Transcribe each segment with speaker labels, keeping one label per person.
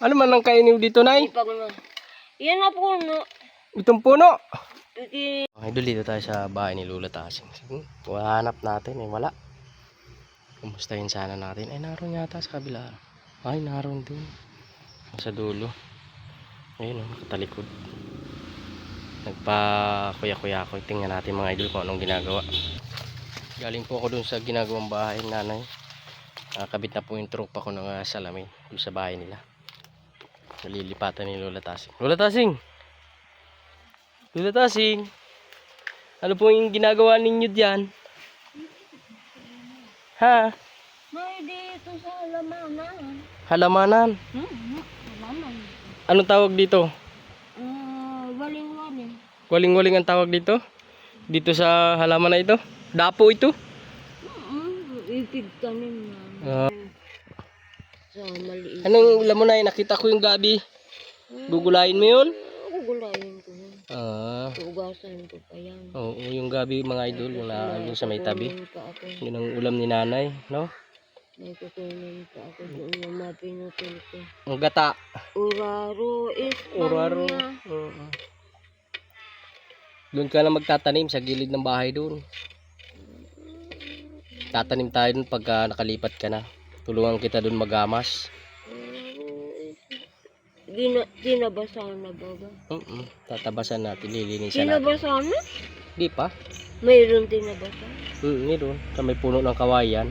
Speaker 1: Ano man ang kainin dito, Nay?
Speaker 2: Ipag na. Yan na puno.
Speaker 1: Itong puno.
Speaker 2: Pwede.
Speaker 1: Idol, dito tayo sa bahay ni Lola Tasing. Hanap natin eh, wala. Kumustahin sana natin. Ay, naroon yata sa kabila. Ay, naroon din. Sa dulo. Ayun o, katalikod. Nagpa-kuya-kuya ako. Tingnan natin mga idol kung anong ginagawa. Galing po ako dun sa ginagawang bahay ng nanay. Kabit na po yung tropa ko ng salamin dun sa bahay nila. Nalilipatan ni Lola Tasing. Lola Tasing! Lola Tasing! Ano po yung ginagawa ninyo diyan? Ha?
Speaker 2: May dito sa halamanan.
Speaker 1: Halamanan?
Speaker 2: Halaman.
Speaker 1: Anong tawag dito?
Speaker 2: Waling-waling.
Speaker 1: Waling-waling ang tawag dito? Dito sa halaman na ito? Dapo ito?
Speaker 2: Ipig tanim na. Sa maliit.
Speaker 1: Anong ulam mo na? Nakita ko yung gabi. Gugulayin mo yun?
Speaker 2: Gugulayin ko. Ugasan ko pa yan.
Speaker 1: Oo, yung gabi mga idol, yung naandun sa may tabi.
Speaker 2: Pa ako.
Speaker 1: Yun ang ulam ni nanay, no?
Speaker 2: May kukunin pa ako doon na mapinutul ko.
Speaker 1: Ang gata.
Speaker 2: Uraro is
Speaker 1: Uraro. Doon ka na magtatanim sa gilid ng bahay doon. Tatanim tayo doon pagka nakalipat ka na. Tulungan kita doon magamas.
Speaker 2: Tinabasan na ba ba?
Speaker 1: Tatabasan natin, lilinisan natin.
Speaker 2: Tinabasan na?
Speaker 1: Di pa?
Speaker 2: Mayroon tinabasan?
Speaker 1: Meron. Sa may puno ng kawayan.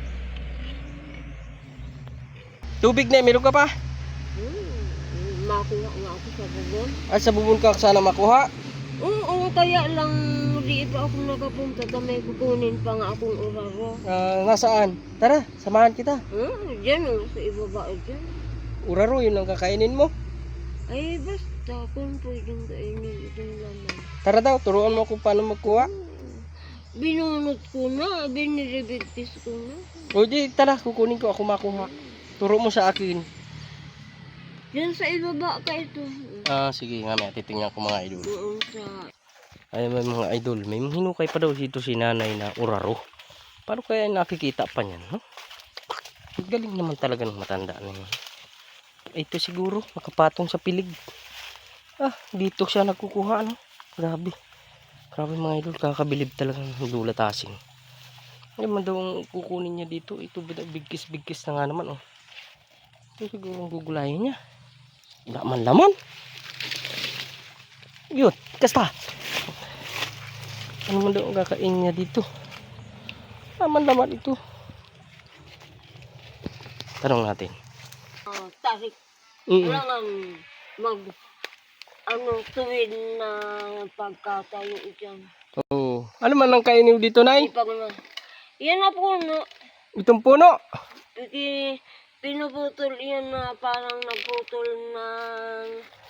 Speaker 1: Tubig na, meron ka pa?
Speaker 2: Makuha nga ako sa bubon.
Speaker 1: Sa bubon ka sana makuha?
Speaker 2: Oo, kaya lang di pa ako nakapunta. May kukunin pa nga akong uraro.
Speaker 1: Nasaan? Tara, samahan kita.
Speaker 2: Diyan sa ibaba dyan.
Speaker 1: Uraro, yun ang kakainin mo.
Speaker 2: Ay, basta kung pwedeng kainin itong laman.
Speaker 1: Tara daw, turuan mo kung paano magkuha.
Speaker 2: Binunot ko na, biniribigtis ko na.
Speaker 1: O di, tara, kukunin ko, ako makuha. Turo mo sa akin.
Speaker 2: Diyan sa ibaba ka ito.
Speaker 1: Sige nga, may titingnan ko mga idol.
Speaker 2: Doon sa...
Speaker 1: Ay, may mga idol, may hinukay pa daw dito si nanay na uraro. Paano kaya nakikita pa niyan, no? Galing naman talaga ng matanda na yun. Ito siguro, nakapatong sa pilig. Dito siya nagkukuha, no? Grabe. Grabe mga idol, kakabilib talaga ng Lola Tasing. Ay, man daw ang kukunin niya dito. Ito, bigkis-bigkis na nga naman, oh. Ito siguro ang gugulayin niya. Wala man laman. Yun, kasta. Ano man daw ang kakain niya dito? Wala man laman ito. Tanong natin.
Speaker 2: Tarik. Kailangan tuwid na pagkatayo dyan.
Speaker 1: Oo. Ano man ang kainin dito, Nay?
Speaker 2: Ipag na. Yan na puno.
Speaker 1: Itong puno.
Speaker 2: Pinuputol yan na parang nagputol ng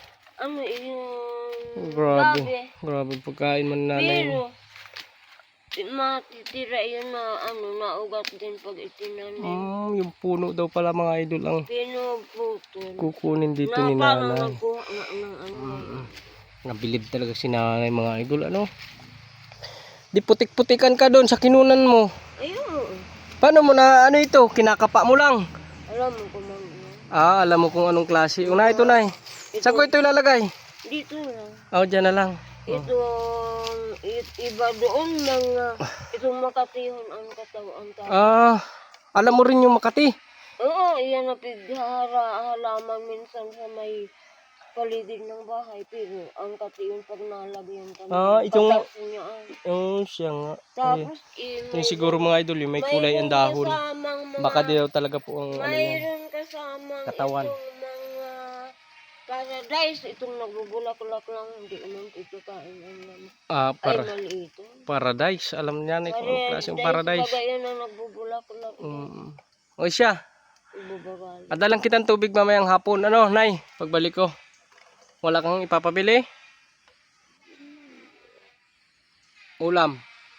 Speaker 2: yung
Speaker 1: Grabe. Grabe pagkain man nanay.
Speaker 2: pero matitira yun na naugat din pag itinanim.
Speaker 1: Yung puno daw pala mga idol ang
Speaker 2: Pinuputol.
Speaker 1: kukunin dito ni
Speaker 2: Parang
Speaker 1: nanay.
Speaker 2: nagkuha ng
Speaker 1: Nabilib talaga si nanay mga idol. Ano? Di putik-putikan ka doon sa kinunan mo.
Speaker 2: Ayun.
Speaker 1: Paano mo na ito? Kinakapa mo lang.
Speaker 2: Alam mo kung
Speaker 1: Alam mo kung anong klase. Una ito, Nay. Saan ko ito ilalagay?
Speaker 2: dito lang.
Speaker 1: Diyan na lang.
Speaker 2: Itong iba doon itong makatihon ang katawan tayo.
Speaker 1: Alam mo rin yung Makati.
Speaker 2: Oo, iyan na halaman minsan sa may paligid ng bahay. Pero ang katiyon pag nalagyan kami.
Speaker 1: Itong...
Speaker 2: patas niya.
Speaker 1: Siya nga.
Speaker 2: Tapos,
Speaker 1: Yung siguro mga idol, yung may kulay ang dahon. Baka di daw talaga po ang
Speaker 2: mayroon kasamang
Speaker 1: katawan.
Speaker 2: itong mga paradise. Itong nagbubulak-ulak lang. Hindi naman ito kain ang naman. Ay, mali ito.
Speaker 1: Paradise. Alam niya na kung anong klase yung paradise.
Speaker 2: Bagay na nagbubulak-ulak.
Speaker 1: O siya.
Speaker 2: Ibubagal.
Speaker 1: Adalang kitang tubig mamayang hapon. Ano, Nay? Pagbalik ko. Wala kang ipapabili? Ulam.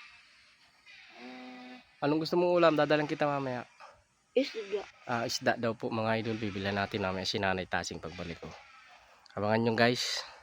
Speaker 1: Anong gusto mong ulam? Dadalang kita mamaya.
Speaker 2: Isda.
Speaker 1: Isda daw po mga idol. Bibilan natin mamaya si Nanay Tasing pagbalik ko. Abangan nyo guys.